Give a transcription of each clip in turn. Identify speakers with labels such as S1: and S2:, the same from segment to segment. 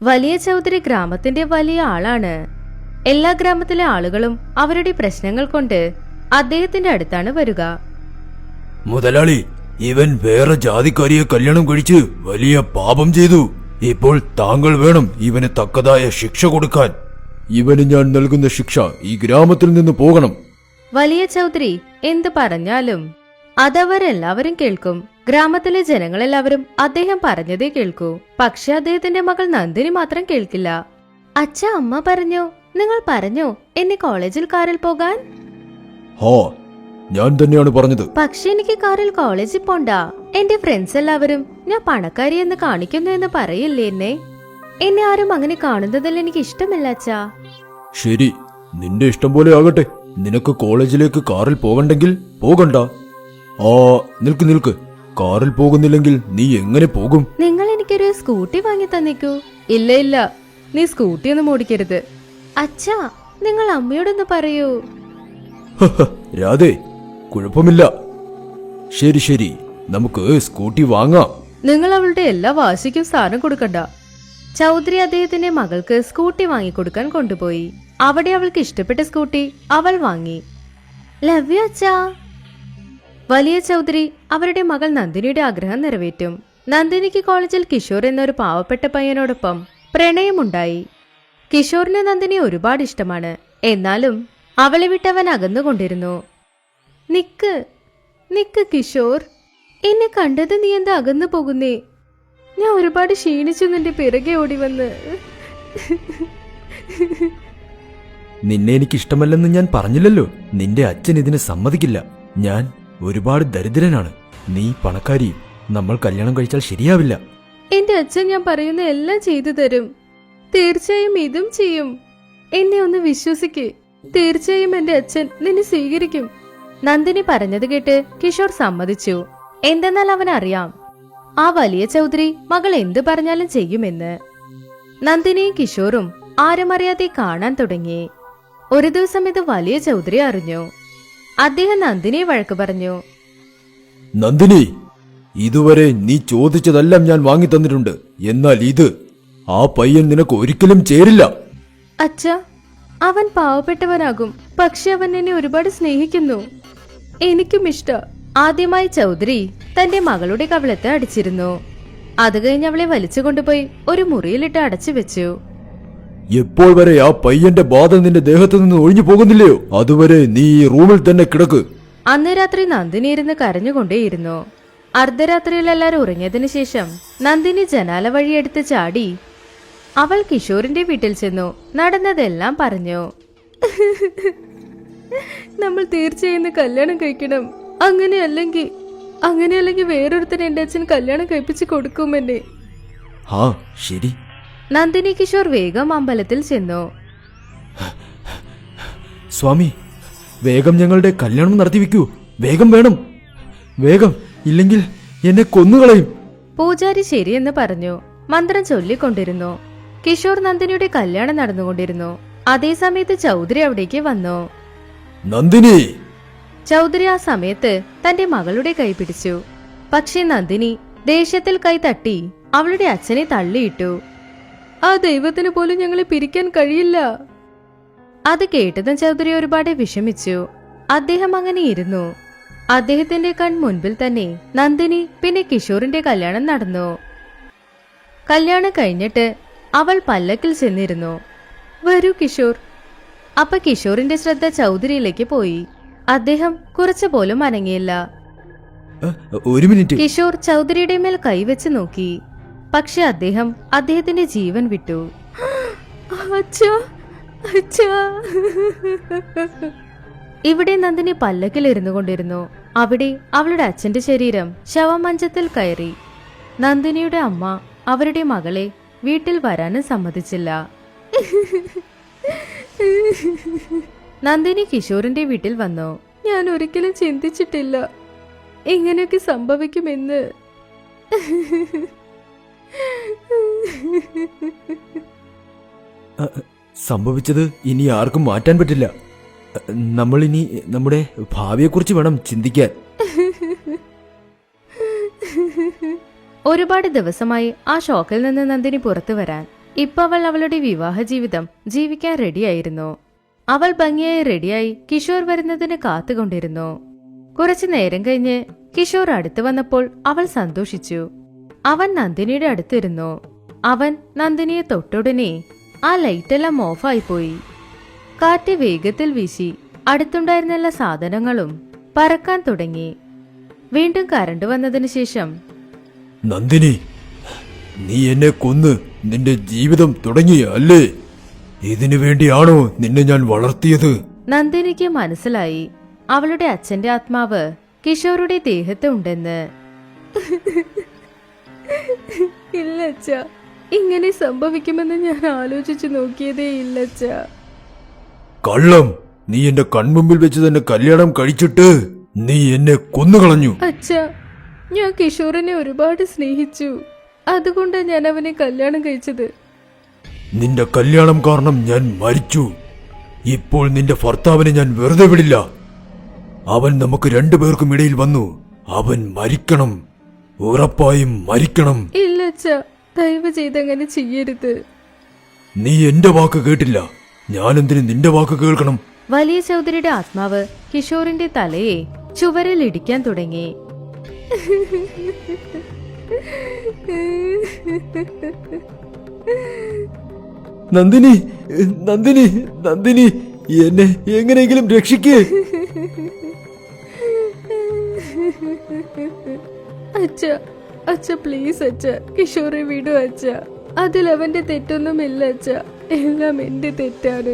S1: വലിയ ചൗധരി ഗ്രാമത്തിന്റെ വലിയ ആളാണ്. എല്ലാ ഗ്രാമത്തിലെ ആളുകളും അവരുടെ പ്രശ്നങ്ങൾ കൊണ്ട് അദ്ദേഹത്തിന്റെ അടുത്താണ് വരിക.
S2: മുതലാളി, ഇവൻ വേറെ ജാതിക്കാരിയെ കല്യാണം കഴിച്ച് വലിയ പാപം ചെയ്തു. ഇപ്പോൾ താങ്കൾ വേണം ഇവന് തക്കതായ ശിക്ഷ കൊടുക്കാൻ. ഇവന് ഞാൻ നൽകുന്ന ശിക്ഷ ഈ ഗ്രാമത്തിൽ നിന്ന് പോകണം.
S1: വലിയ ചൗധരി എന്ത് പറഞ്ഞാലും അതവരെല്ലാവരും കേൾക്കും. ഗ്രാമത്തിലെ ജനങ്ങളെല്ലാവരും അദ്ദേഹം പറഞ്ഞതേ കേൾക്കൂ. പക്ഷെ അദ്ദേഹത്തിന്റെ മകൾ നന്ദിനി മാത്രം കേൾക്കില്ല. അച്ഛ, അമ്മ പറഞ്ഞു, നിങ്ങൾ പറഞ്ഞു എന്നെ കോളേജിൽ കാറിൽ പോകാൻ.
S2: ഹാ, ഞാൻ തന്നെയാണ് പറഞ്ഞത്.
S1: പക്ഷെ എനിക്ക് കാറിൽ കോളേജിൽ പോണ്ട. എന്റെ ഫ്രണ്ട്സ് എല്ലാവരും ഞാൻ പണക്കാരി എന്ന് കാണിക്കുന്നു എന്ന് പറയില്ലേ എന്നെ ആരും അങ്ങനെ കാണുന്നതിൽ എനിക്ക് ഇഷ്ടമില്ല അച്ഛാ.
S2: ശരി, നിന്റെ ഇഷ്ടം പോലെ ആകട്ടെ. നിനക്ക് കോളേജിലേക്ക് കാറിൽ പോകണ്ടെങ്കിൽ പോകണ്ട. നിൽക്ക്. കാറിൽ പോകുന്നില്ലെങ്കിൽ നീ എങ്ങനെ പോകും?
S1: നിങ്ങൾ എനിക്കൊരു സ്കൂട്ടി വാങ്ങി തന്നിക്കൂ. ഇല്ല, നീ സ്കൂട്ടി ഒന്നും ഓടിക്കരുത്. അച്ഛാ, നിങ്ങൾ അമ്മയോടൊന്ന് പറയൂ.
S2: രാധേ, കുഴപ്പമില്ല. ശരി, നമുക്ക് സ്കൂട്ടി വാങ്ങാം.
S1: നിങ്ങൾ അവളുടെ എല്ലാ വാശിക്കും സ്ഥാനം കൊടുക്കണ്ട. ചൗധരി അദ്ദേഹത്തിന്റെ മകൾക്ക് സ്കൂട്ടി വാങ്ങിക്കൊടുക്കാൻ കൊണ്ടുപോയി. അവിടെ അവൾക്ക് ഇഷ്ടപ്പെട്ട സ്കൂട്ടി അവൾ വാങ്ങി. ലവ് യു അച്ഛാ. വലിയ ചൗധരി അവരുടെ മകൾ നന്ദിനിയുടെ ആഗ്രഹം നിറവേറ്റും. നന്ദിനിക്ക് കോളേജിൽ കിഷോർ എന്നൊരു പാവപ്പെട്ട പയ്യനോടൊപ്പം പ്രണയമുണ്ടായി. കിഷോറിന് നന്ദിനി ഒരുപാട് ഇഷ്ടമാണ്. എന്നാലും അവളെ വിട്ടവൻ അകന്നുകൊണ്ടിരുന്നു. നിക്ക് കിഷോർ, എന്നെ കണ്ടത് നീ എന്താ അകന്നു പോകുന്നേ? ഞാൻ ഒരുപാട് ക്ഷീണിച്ചു നിന്റെ പിറകെ ഓടി വന്ന്.
S2: നിന്നെ എനിക്ക് ഇഷ്ടമല്ലെന്ന് ഞാൻ പറഞ്ഞില്ലല്ലോ. നിന്റെ അച്ഛൻ ഇതിന് സമ്മതിക്കില്ല. ഞാൻ ഒരുപാട് ദരിദ്രനാണ്, നീ പണക്കാരിയും. നമ്മൾ കല്യാണം കഴിച്ചാൽ ശരിയാവില്ല.
S1: എന്റെ അച്ഛൻ ഞാൻ പറയുന്ന എല്ലാം ചെയ്തു തരും. തീർച്ചയായും ഇതും ചെയ്യും. എന്നെ ഒന്ന് വിശ്വസിക്ക്. തീർച്ചയായും എന്റെ അച്ഛൻ നിന്നെ സ്വീകരിക്കും. നന്ദിനി പറഞ്ഞത് കേട്ട് കിഷോർ സമ്മതിച്ചു. എന്തെന്നാൽ അവനറിയാം ആ വലിയ ചൗധരി മകൾ എന്തു പറഞ്ഞാലും ചെയ്യുമെന്ന്. നന്ദിനിയും കിഷോറും ആരുമറിയാതെ കാണാൻ തുടങ്ങി. ഒരു ദിവസം ഇത് വലിയ ചൗധരി അറിഞ്ഞു. അദ്ദേഹം നന്ദിനിയെ വഴക്ക് പറഞ്ഞു.
S2: നന്ദിനി, ഇതുവരെ നീ ചോദിച്ചതെല്ലാം ഞാൻ വാങ്ങി തന്നിട്ടുണ്ട്. എന്നാൽ ആ പയ്യൻ നിനക്ക് ഒരിക്കലും ചേരില്ല.
S1: അച്ഛാ, അവൻ പാവപ്പെട്ടവനാകും. പക്ഷെ അവൻ എന്നെ ഒരുപാട് സ്നേഹിക്കുന്നു. എനിക്കും ഇഷ്ട. ആദ്യമായി ചൗധരി തന്റെ മകളുടെ കവിളത്ത് അടിച്ചിരുന്നു. അത് കഴിഞ്ഞ് അവളെ വലിച്ചു കൊണ്ടുപോയി ഒരു മുറിയിലിട്ട് അടച്ചു വെച്ചു.
S2: എപ്പോൾ വരെ ആ പയ്യന്റെ ബാധ നിന്റെ ദേഹത്തു നിന്ന് ഒഴിഞ്ഞു പോകുന്നില്ലയോ, അതുവരെ നീ ഈ റൂമിൽ തന്നെ കിടക്ക്.
S1: അന്ന് രാത്രി നന്ദിനി ഇരുന്ന് കരഞ്ഞുകൊണ്ടേയിരുന്നു. അർദ്ധരാത്രിയിൽ എല്ലാവരും ഉറങ്ങിയതിനു ശേഷം നന്ദിനി ജനാല വഴിയെടുത്ത് ചാടി അവൾ കിഷോറിന്റെ വീട്ടിൽ ചെന്നു. നടന്നതെല്ലാം പറഞ്ഞു. നമ്മൾ തീർച്ചയായും കല്യാണം കഴിക്കണം. അങ്ങനെയല്ലെങ്കിൽ വേറൊരുത്തനെ എന്റെ അച്ഛൻ കല്യാണം കഴിപ്പിച്ച് കൊടുക്കുമെന്നെ.
S2: ശരി.
S1: നന്ദിനി കിഷോർ വേഗം അമ്പലത്തിൽ ചെന്നു.
S2: സ്വാമി, വേഗം ഞങ്ങളുടെ കല്യാണം നടത്തിവെക്കൂ. വേഗം വേണം, വേഗം, ഇല്ലെങ്കിൽ എന്നെ കൊന്നുകളയും.
S1: പൂജാരി ശരിയെന്ന് പറഞ്ഞു. മന്ത്രം ചൊല്ലിക്കൊണ്ടിരുന്നു. കിഷോർ നന്ദിനിയുടെ കല്യാണം നടന്നുകൊണ്ടിരുന്നു. അതേസമയത്ത് ചൗധരി അവിടേക്ക് വന്നു.
S2: നന്ദിനി!
S1: ചൗധരി ആ സമയത്ത് തന്റെ മകളുടെ കൈ പിടിച്ചു. പക്ഷേ നന്ദിനി ദേഷ്യത്തിൽ കൈ തട്ടി അവളുടെ അച്ഛനെ തള്ളിയിട്ടു. ആ ദൈവത്തിന് പോലും ഞങ്ങളെ പിരിക്കാൻ കഴിയില്ല. അത് കേട്ടതും ചൗധരി ഒരുപാട് വിഷമിച്ചു. അദ്ദേഹം അങ്ങനെ ഇരുന്നു. അദ്ദേഹത്തിന്റെ കൺമുൻപിൽ തന്നെ നന്ദിനി പിന്നെ കിഷോറിന്റെ കല്യാണം നടന്നു. കല്യാണം കഴിഞ്ഞിട്ട് അവൾ പല്ലക്കിൽ ചെന്നിരുന്നു. വരൂ കിഷോർ. അപ്പൊ കിഷോറിന്റെ ശ്രദ്ധ ചൗധരിയിലേക്ക് പോയി. അദ്ദേഹം കുറച്ചു പോലും അനങ്ങിയില്ല.
S2: ഒരു മിനിറ്റ്.
S1: കിഷോർ ചൗധരിയുടെ മേൽ കൈവച്ച് നോക്കി. പക്ഷെ അദ്ദേഹത്തിന്റെ ജീവൻ വിട്ടു. ഇവിടെ നന്ദിനി പല്ലക്കിൽ ഇരുന്നു കൊണ്ടിരുന്നു. അവിടെ അവളുടെ അച്ഛന്റെ ശരീരം ശവമഞ്ചത്തിൽ കയറി. നന്ദിനിയുടെ അമ്മ അവരുടെ മകളെ വീട്ടിൽ വരാനും സമ്മതിച്ചില്ല. നന്ദിനി കിഷോറിന്റെ വീട്ടിൽ വന്നു. ഞാൻ ഒരിക്കലും ചിന്തിച്ചിട്ടില്ല ഇങ്ങനെയൊക്കെ സംഭവിക്കുമെന്ന്.
S2: സംഭവിച്ചത് ഇനി ആർക്കും മാറ്റാൻ പറ്റില്ല. നമ്മൾ ഇനി നമ്മുടെ ഭാവിയെക്കുറിച്ച് വേണം ചിന്തിക്കാൻ.
S1: ഒരുപാട് ദിവസമായി ആ ഷോക്കിൽ നിന്ന് നന്ദിനി പുറത്തു വരാൻ. ഇപ്പൊ അവൾ അവളുടെ വിവാഹ ജീവിതം ജീവിക്കാൻ റെഡിയായിരുന്നു. അവൾ ഭംഗിയായി റെഡിയായി കിഷോർ വരുന്നതിന് കാത്തുകൊണ്ടിരുന്നു. കുറച്ചു നേരം കഴിഞ്ഞ് കിഷോർ അടുത്ത് വന്നപ്പോൾ അവൾ സന്തോഷിച്ചു. അവൻ നന്ദിനിയുടെ അടുത്തിരുന്നു. അവൻ നന്ദിനിയെ തൊട്ടുടനെ ആ ലൈറ്റെല്ലാം ഓഫായി പോയി. കാറ്റ് വേഗത്തിൽ വീശി അടുത്തുണ്ടായിരുന്ന എല്ലാ സാധനങ്ങളും പറക്കാൻ തുടങ്ങി. വീണ്ടും കരണ്ട് വന്നതിന് ശേഷം,
S2: നന്ദിനി, നീ എന്നെ കൊന്ന് നിന്റെ ജീവിതം തുടങ്ങിയ അല്ലേ? ഇതിനു വേണ്ടിയാണോ നിന്നെ ഞാൻ വളർത്തിയത്?
S1: നന്ദിനിക്ക് മനസ്സിലായി അവളുടെ അച്ഛന്റെ ആത്മാവ് കിഷോറുടെ ദേഹത്ത് ഉണ്ടെന്ന്. ഇല്ല അച്ഛാ, ഇങ്ങനെ സംഭവിക്കുമെന്ന് ഞാൻ ആലോചിച്ചു നോക്കിയതേ ഇല്ല അച്ഛാ.
S2: കള്ളം! നീ എന്റെ കൺമുമ്പിൽ വെച്ച് തന്നെ കല്യാണം കഴിച്ചിട്ട് നീ എന്നെ കൊന്നുകളഞ്ഞു.
S1: അച്ഛാ, ഞാൻ കിഷോറിനെ ഒരുപാട് സ്നേഹിച്ചു. അതുകൊണ്ടാണ് ഞാൻ അവനെ കല്യാണം കഴിച്ചത്.
S2: നിന്റെ കല്യാണം കാരണം ഞാൻ മരിച്ചു. ഇപ്പോൾ നിന്റെ ഭർത്താവിനെ ഞാൻ വെറുതെ വിടില്ല. അവൻ നമുക്ക് രണ്ടുപേർക്കും ഇടയിൽ വന്നു. അവൻ മരിക്കണം, ഉറപ്പായും മരിക്കണം.
S1: ഇല്ല അച്ഛാ, ദയവ് ചെയ്തങ്ങനെ ചെയ്യരുത്.
S2: നീ എന്റെ വാക്ക് കേട്ടില്ല. ഞാനെന്തിന് നിന്റെ വാക്ക് കേൾക്കണം?
S1: വലിയ ചൗധരിയുടെ ആത്മാവ് കിഷോറിന്റെ തലയെ ചുവരിൽ ഇടിക്കാൻ തുടങ്ങി.
S2: നന്ദിനി, നന്ദിനി, നന്ദിനി, എന്നെ എങ്ങനെയെങ്കിലും രക്ഷിക്കേ.
S1: അച്ഛ, അച്ഛ പ്ലീസ് അച്ഛ, കിഷോറെ വിടൂ അച്ഛ. അതിൽ അവന്റെ തെറ്റൊന്നുമില്ല അച്ഛ, എല്ലാം എന്റെ തെറ്റാണ്.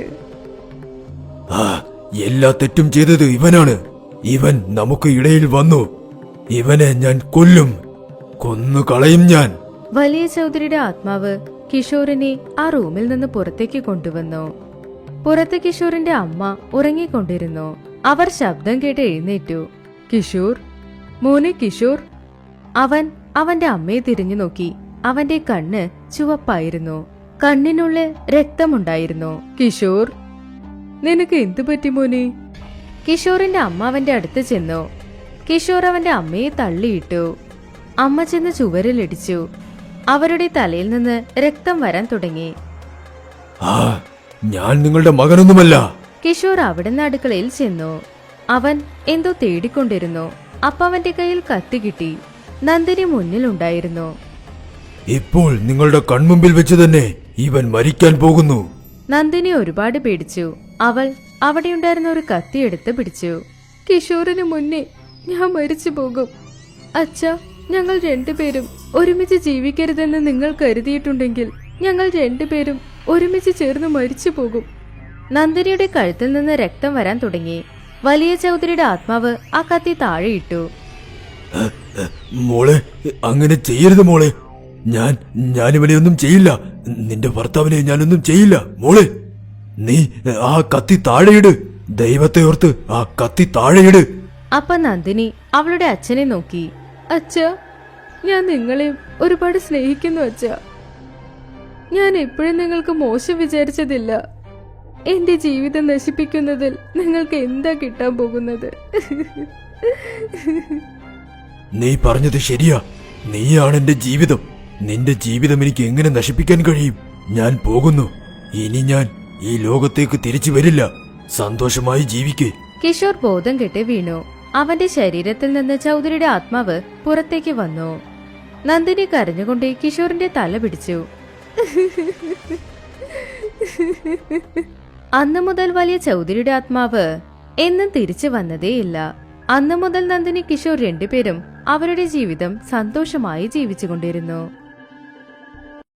S2: എല്ലാ തെറ്റും ചെയ്തത് ഇവനാണ്. ഇവൻ നമുക്ക് ഇടയിൽ വന്നു. ഇവനെ ഞാൻ കൊല്ലും, കൊന്നു കളയും ഞാൻ.
S1: വലിയ ചൗധരിയുടെ ആത്മാവ് കിഷോറിനെ ആ റൂമിൽ നിന്ന് പുറത്തേക്ക് കൊണ്ടുവന്നു. പുറത്ത് കിഷോറിന്റെ അമ്മ ഉറങ്ങിക്കൊണ്ടിരുന്നു. അവർ ശബ്ദം കേട്ട് എഴുന്നേറ്റു. കിഷോർ, മോനെ കിഷോർ. അവൻ അവന്റെ അമ്മയെ തിരിഞ്ഞു നോക്കി. അവന്റെ കണ്ണ് ചുവപ്പായിരുന്നു. കണ്ണിനുള്ളിൽ രക്തമുണ്ടായിരുന്നു. കിഷോർ, നിനക്ക് എന്തു പറ്റി മോനെ? കിഷോറിന്റെ അമ്മ അവന്റെ അടുത്ത് ചെന്നു. കിഷോർ അവന്റെ അമ്മയെ തള്ളിയിട്ടു. അമ്മ ചെന്ന് ചുവരിലിടിച്ചു. അവരുടെ തലയിൽ നിന്ന് രക്തം വരാൻ തുടങ്ങി.
S2: ഞാൻ നിങ്ങളുടെ മകനൊന്നുമല്ല.
S1: കിഷോർ അവിടുന്ന് അടുക്കളയിൽ ചെന്നു. അവൻ എന്തോ തേടിക്കൊണ്ടിരുന്നു. അപ്പ അവന്റെ കയ്യിൽ കത്തി കിട്ടി. നന്ദിനി മുന്നിലുണ്ടായിരുന്നു.
S2: ഇപ്പോൾ നിങ്ങളുടെ കൺമുമ്പിൽ വെച്ച് തന്നെ ഇവൻ മരിക്കാൻ പോകുന്നു.
S1: നന്ദിനി ഒരുപാട് പേടിച്ചു. അവൾ അവിടെയുണ്ടായിരുന്ന ഒരു കത്തി എടുത്ത് പിടിച്ചു. കിഷോറിന് മുന്നേ ഞാൻ മരിച്ചു പോകും. അച്ഛാ, ഞങ്ങൾ രണ്ടുപേരും ഒരുമിച്ച് ജീവിക്കരുതെന്ന് നിങ്ങൾ കരുതിയിട്ടുണ്ടെങ്കിൽ ഞങ്ങൾ രണ്ടുപേരും ഒരുമിച്ച് ചേർന്ന് മരിച്ചു പോകും. നന്ദിനിയുടെ കഴുത്തിൽ നിന്ന് രക്തം വരാൻ തുടങ്ങി. വലിയ ചൗധരിയുടെ ആത്മാവ് ആ കത്തി താഴെയിട്ടു.
S2: മോളെ, അങ്ങനെ ചെയ്യരുത് മോളെ. ഞാനിവനെ ഒന്നും ചെയ്യില്ല. നിന്റെ ഭർത്താവിനെ ഞാനൊന്നും ചെയ്യില്ല. മോളെ, നീ ആ കത്തി താഴെയിട്. ദൈവത്തെ ഓർത്ത് ആ കത്തി താഴെയിട്.
S1: അപ്പൊ നന്ദിനി അവളുടെ അച്ഛനെ നോക്കി. അച്ഛാ, ഞാൻ നിങ്ങളെ ഒരുപാട് സ്നേഹിക്കുന്നു അച്ഛാ. ഞാൻ എപ്പോഴും നിങ്ങൾക്ക് മോശം വിചാരിച്ചതില്ല. എന്റെ ജീവിതം നശിപ്പിക്കുന്നതിൽ നിങ്ങൾക്ക് എന്താ കിട്ടാൻ പോകുന്നത്?
S2: നീ പറഞ്ഞത് ശരിയാ. നീയാണ് എന്റെ ജീവിതം. നിന്റെ ജീവിതം എനിക്ക് എങ്ങനെ നശിപ്പിക്കാൻ കഴിയും? ഞാൻ പോകുന്നു. ഇനി ഞാൻ ഈ ലോകത്തേക്ക് തിരിച്ചു വരില്ല. സന്തോഷമായി ജീവിക്കേ.
S1: കിഷോർ ബോധം കെട്ട് വീണു. അവന്റെ ശരീരത്തിൽ നിന്ന് ചൗധരിയുടെ ആത്മാവ് പുറത്തേക്ക് വന്നു. നന്ദിനി കരഞ്ഞുകൊണ്ട് കിഷോറിന്റെ തല പിടിച്ചു. അന്നു മുതൽ വലിയ ചൗധരിയുടെ ആത്മാവ് എന്നും തിരിച്ചു വന്നതേയില്ല. അന്നു മുതൽ നന്ദിനി കിഷോർ രണ്ടുപേരും അവരുടെ ജീവിതം സന്തോഷമായി ജീവിച്ചുകൊണ്ടിരുന്നു.